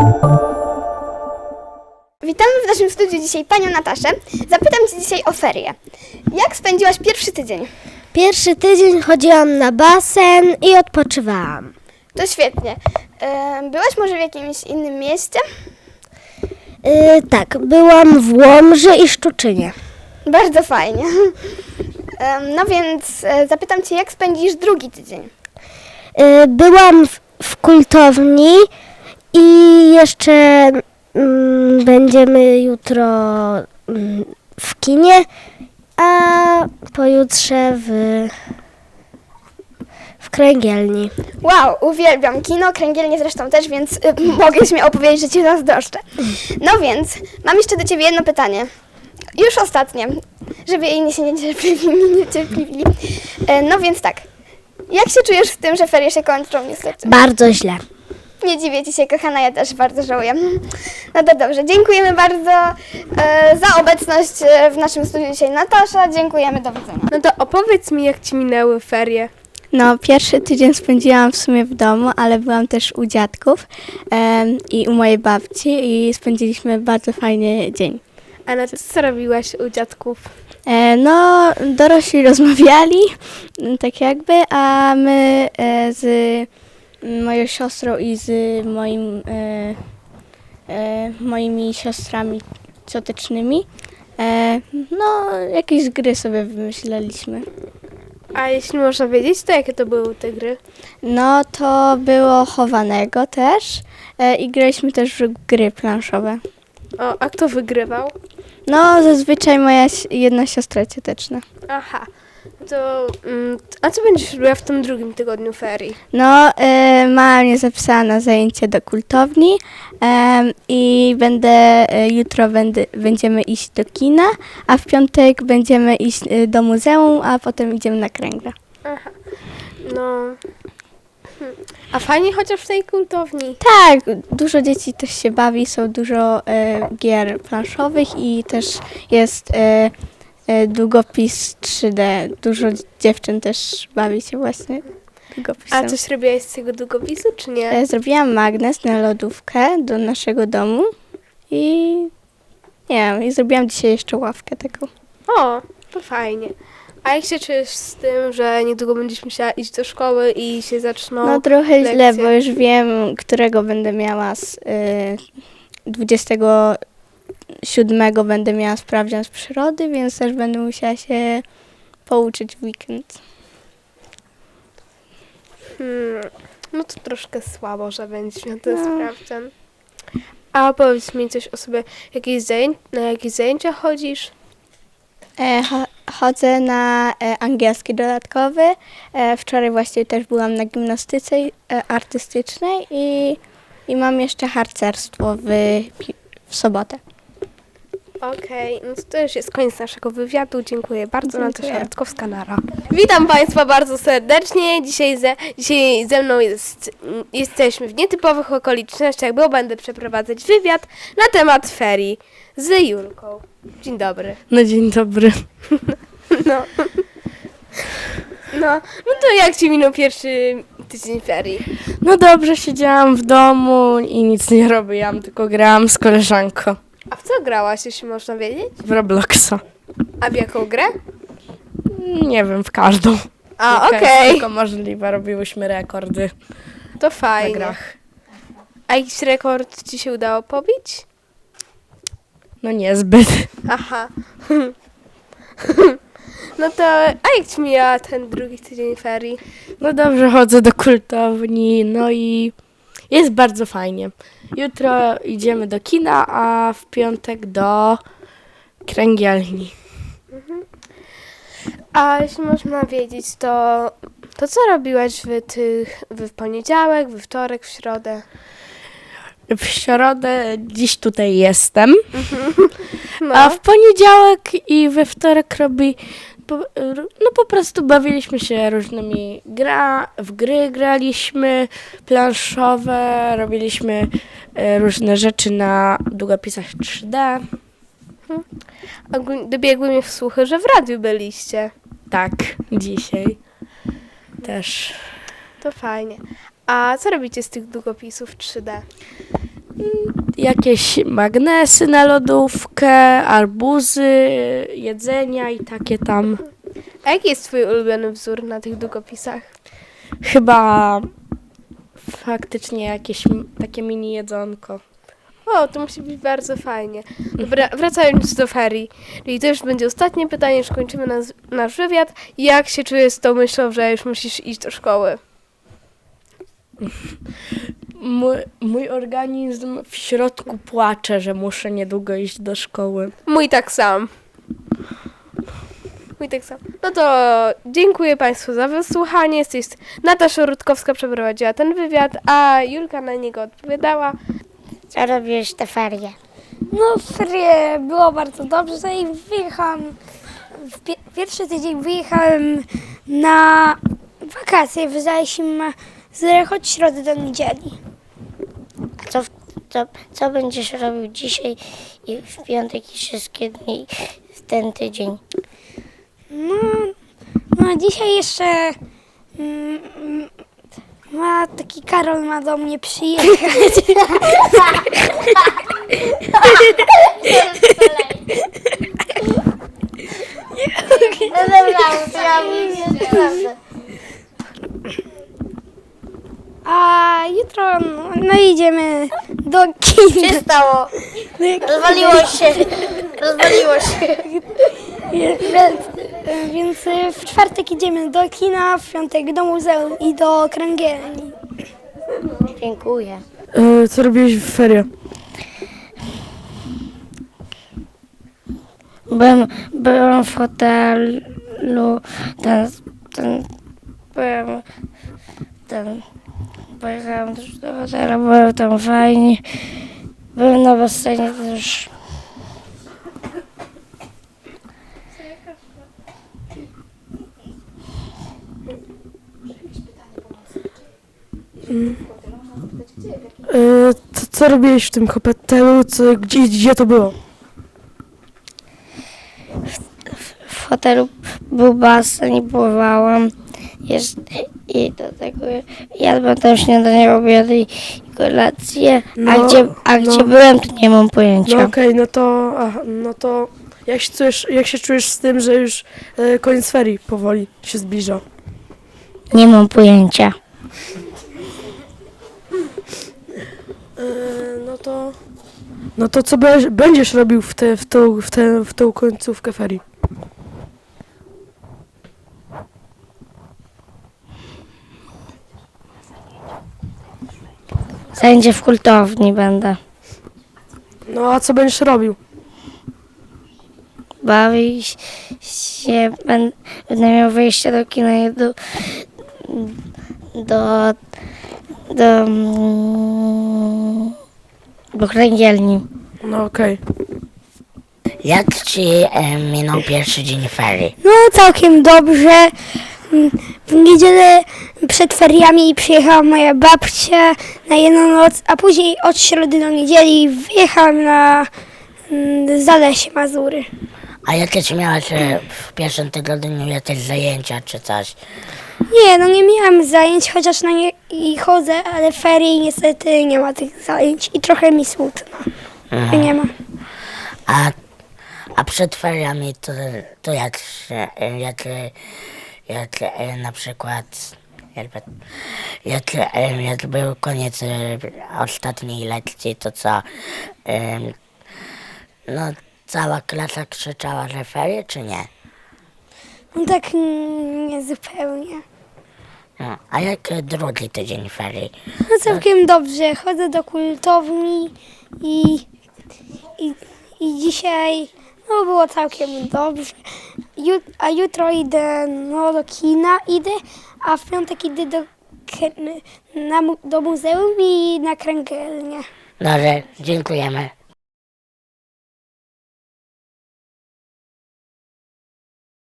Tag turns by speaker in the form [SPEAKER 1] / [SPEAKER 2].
[SPEAKER 1] Witamy w naszym studiu dzisiaj panią Nataszę. Zapytam cię dzisiaj o ferie. Jak spędziłaś pierwszy tydzień?
[SPEAKER 2] Pierwszy tydzień chodziłam na basen i odpoczywałam.
[SPEAKER 1] To świetnie. Byłaś może w jakimś innym mieście?
[SPEAKER 2] Tak, byłam w Łomży i Szczuczynie.
[SPEAKER 1] Bardzo fajnie. No więc zapytam cię, jak spędzisz drugi tydzień?
[SPEAKER 2] Byłam w kultowni i jeszcze będziemy jutro w kinie, a pojutrze w kręgielni.
[SPEAKER 1] Wow, uwielbiam kino, kręgielnie zresztą też, więc mogę śmiało powiedzieć, że cię zazdroszczę. No więc, mam jeszcze do ciebie jedno pytanie. Już ostatnie, żeby inni się nie niecierpliwili. No więc tak, jak się czujesz w tym, że ferie się kończą niestety?
[SPEAKER 2] Bardzo źle.
[SPEAKER 1] Nie dziwię ci się, kochana, ja też bardzo żałuję. No to dobrze, dziękujemy bardzo za obecność w naszym studiu dzisiaj, Natasza. Dziękujemy, do widzenia.
[SPEAKER 3] No to opowiedz mi, jak ci minęły ferie.
[SPEAKER 4] No, pierwszy tydzień spędziłam w sumie w domu, ale byłam też u dziadków i u mojej babci i spędziliśmy bardzo fajny dzień.
[SPEAKER 3] A na co robiłaś u dziadków?
[SPEAKER 4] No, dorośli rozmawiali, tak jakby, a my z moją siostrą i z moimi siostrami ciotecznymi, no, jakieś gry sobie wymyślaliśmy.
[SPEAKER 3] A jeśli można wiedzieć, to jakie to były te gry?
[SPEAKER 4] No, to było chowanego też i graliśmy też w gry planszowe.
[SPEAKER 3] O, a kto wygrywał?
[SPEAKER 4] No, zazwyczaj moja jedna siostra cioteczna.
[SPEAKER 3] Aha, to a co będziesz robiła w tym drugim tygodniu ferii?
[SPEAKER 4] No, mama mnie zapisała na zajęcie do kultowni i jutro będziemy iść do kina, a w piątek będziemy iść do muzeum, a potem idziemy na kręgle.
[SPEAKER 3] Aha, no... A fajnie chociaż w tej kultowni?
[SPEAKER 4] Tak, dużo dzieci też się bawi, są dużo gier planszowych i też jest długopis 3D. Dużo dziewczyn też bawi się właśnie długopisem.
[SPEAKER 3] A coś robiłaś z tego długopisu, czy nie?
[SPEAKER 4] Zrobiłam magnes na lodówkę do naszego domu i nie wiem, i zrobiłam dzisiaj jeszcze ławkę taką.
[SPEAKER 3] O, to fajnie. A jak się czujesz z tym, że niedługo będziesz musiała iść do szkoły i się zaczną
[SPEAKER 4] No trochę
[SPEAKER 3] lekcje?
[SPEAKER 4] źle, bo już wiem, którego będę miała 27 będę miała sprawdzian z przyrody, więc też będę musiała się pouczyć w weekend.
[SPEAKER 3] No to troszkę słabo, że będziesz miał ten sprawdzian. A powiedz mi coś o sobie, na jakieś zajęcia chodzisz?
[SPEAKER 4] Chodzę na angielski dodatkowy. Wczoraj właśnie też byłam na gimnastyce artystycznej i mam jeszcze harcerstwo w sobotę.
[SPEAKER 3] Okej, no to już jest koniec naszego wywiadu. Dziękuję bardzo.
[SPEAKER 4] Dziękuję.
[SPEAKER 3] Natasza Rutkowska-Nara. Witam Państwa bardzo serdecznie. Dzisiaj ze mną jesteśmy w nietypowych okolicznościach, bo będę przeprowadzać wywiad na temat ferii z Julką. Dzień dobry.
[SPEAKER 5] No dzień dobry.
[SPEAKER 3] No to jak Ci minął pierwszy tydzień ferii?
[SPEAKER 5] No dobrze, siedziałam w domu i nic nie robiłam, tylko grałam z koleżanką
[SPEAKER 3] A w co grałaś, jeśli można wiedzieć?
[SPEAKER 5] w Robloxa.
[SPEAKER 3] A w jaką grę?
[SPEAKER 5] Nie wiem, w każdą.
[SPEAKER 3] A,
[SPEAKER 5] Jaka jest
[SPEAKER 3] okej.
[SPEAKER 5] tylko możliwe, robiłyśmy rekordy
[SPEAKER 3] To
[SPEAKER 5] na
[SPEAKER 3] fajnie.
[SPEAKER 5] grach.
[SPEAKER 3] A jakiś rekord Ci się udało pobić?
[SPEAKER 5] No niezbyt.
[SPEAKER 3] Aha. No to, a jak Ci mija ten drugi tydzień ferii?
[SPEAKER 5] No dobrze, chodzę do kultowni, no i jest bardzo fajnie. Jutro idziemy do kina, a w piątek do kręgielni.
[SPEAKER 3] A jeśli można wiedzieć, to co robiłaś w poniedziałek, we wtorek, w środę?
[SPEAKER 5] W środę dziś tutaj jestem,
[SPEAKER 3] No.
[SPEAKER 5] a w poniedziałek i we wtorek po prostu bawiliśmy się różnymi w gry graliśmy, planszowe, robiliśmy różne rzeczy na długopisach 3D.
[SPEAKER 3] Dobiegły mnie słuchy, że w radiu byliście.
[SPEAKER 5] Tak, dzisiaj też.
[SPEAKER 3] To fajnie. A co robicie z tych długopisów 3D?
[SPEAKER 5] Jakieś magnesy na lodówkę, arbuzy, jedzenia i takie tam.
[SPEAKER 3] A jaki jest twój ulubiony wzór na tych długopisach?
[SPEAKER 5] Chyba faktycznie jakieś takie mini jedzonko.
[SPEAKER 3] O, to musi być bardzo fajnie. Dobra, wracając do ferii. Czyli to już będzie ostatnie pytanie, już kończymy nasz wywiad. Jak się czujesz z tą myślą, że już musisz iść do szkoły?
[SPEAKER 5] Mój organizm w środku płacze, że muszę niedługo iść do szkoły.
[SPEAKER 3] Mój tak sam. No to dziękuję Państwu za wysłuchanie. Natasza Rutkowska przeprowadziła ten wywiad, a Julka na niego odpowiadała.
[SPEAKER 2] Co robiłeś te ferie?
[SPEAKER 6] No, ferie było bardzo dobrze i wyjechałam, pierwszy tydzień wyjechałem na wakacje, wyjechaliśmy od środy do niedzieli.
[SPEAKER 2] A co będziesz robił dzisiaj i w piątek i wszystkie dni w ten tydzień?
[SPEAKER 6] No dzisiaj jeszcze taki Karol ma do mnie przyjechać. A jutro no idziemy do kina.
[SPEAKER 2] Co się stało? Rozwaliło się.
[SPEAKER 6] Więc w czwartek idziemy do kina, w piątek do muzeum i do kręgielni.
[SPEAKER 2] Dziękuję.
[SPEAKER 5] Co robiłeś w ferie?
[SPEAKER 2] Byłem w hotelu, pojechałem też do hotelu, było tam fajnie, byłem na basenie też.
[SPEAKER 5] Co robiłeś w tym hotelu? Gdzie to było?
[SPEAKER 2] W hotelu był basen i pływałam. I do tego jadłem tam śniadanie, obiad i kolację. Gdzie byłem, to nie mam pojęcia.
[SPEAKER 7] No okej, no to jak się czujesz z tym, że już koniec ferii powoli się zbliża?
[SPEAKER 2] Nie mam pojęcia.
[SPEAKER 7] No to co będziesz robił w tą końcówkę ferii?
[SPEAKER 2] Zajęcie w kultowni będę.
[SPEAKER 7] No a co będziesz robił?
[SPEAKER 2] Bawić się, będę miał wyjście do kina i do kręgielni.
[SPEAKER 7] No okej.
[SPEAKER 8] Jak ci minął pierwszy dzień ferii?
[SPEAKER 6] No całkiem dobrze. W niedzielę przed feriami przyjechała moja babcia na jedną noc, a później od środy do niedzieli wyjechałam na Zalesie Mazury.
[SPEAKER 8] A jakie ci miałaś w pierwszym tygodniu jakieś zajęcia czy coś?
[SPEAKER 6] Nie, no nie miałam zajęć, chociaż na nie i chodzę, ale ferii niestety nie ma tych zajęć i trochę mi smutno, że nie ma.
[SPEAKER 8] A przed feriami to jak na przykład jak był koniec ostatniej lekcji, to co? No cała klasa krzyczała, że ferie czy nie?
[SPEAKER 6] No tak nie zupełnie.
[SPEAKER 8] No, a jak drugi tydzień ferii?
[SPEAKER 6] No całkiem dobrze, chodzę do kultowni i dzisiaj no było całkiem dobrze. A jutro idę do kina, a w piątek idę do muzeum i na kręgielnię.
[SPEAKER 8] Dobrze, dziękujemy.